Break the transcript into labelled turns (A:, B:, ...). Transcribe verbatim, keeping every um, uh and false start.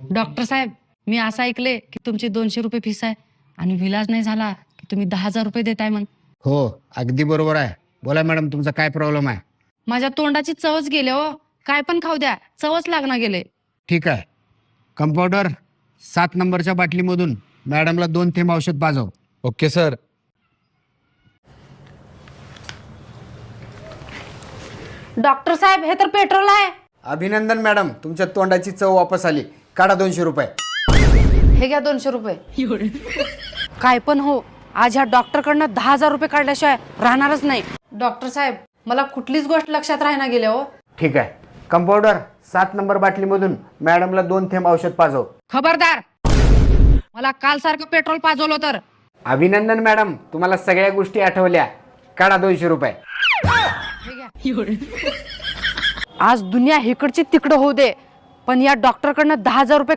A: Doctor साहेब, मी असं ऐकले की तुमची दोनशे रुपये फीस आहे आणि विलाज नाही झाला की तुम्ही दहा हजार रुपये देताय मग.
B: हो, अगदी बरोबर आहे. बोला मॅडम, तुमचा काय प्रॉब्लेम आहे?
A: माझ्या तोंडाची चवच गेले हो. काय पण खाऊ द्या, चवच लागणार गेले.
B: ठीक आहे. कंपाऊंडर, सात नंबरच्या बाटलीमधून मॅडमला दोन थेंब औषध पाजव.
C: Okay sir.
A: डॉक्टर साहेब, हे तर पेट्रोल आहे.
B: अभिनंदन मॅडम, तुमच्या तोंडाची चव वापस आली. काढा दोनशे रुपये.
A: हे घ्या दोनशे रुपये. काय पण हो, आज ह्या डॉक्टर कडनं दहा हजार रुपये काढल्याशिवाय राहणारच नाही. डॉक्टर साहेब, मला कुठलीच गोष्ट लक्षात राहणार गेल्या हो.
B: ठीक आहे. कंपाऊंडर, सात नंबर बाटलीमधून मॅडमला दोन थेंब औषध पाजव.
A: खबरदार, मला काल सारखं पेट्रोल पाजवलं तर.
B: अभिनंदन मॅडम, तुम्हाला सगळ्या गोष्टी आठवल्या. काढा दोनशे रुपये.
A: आज दुनिया इकडची तिकडं होऊ दे, पण या डॉक्टर कडनं दहा हजार रुपये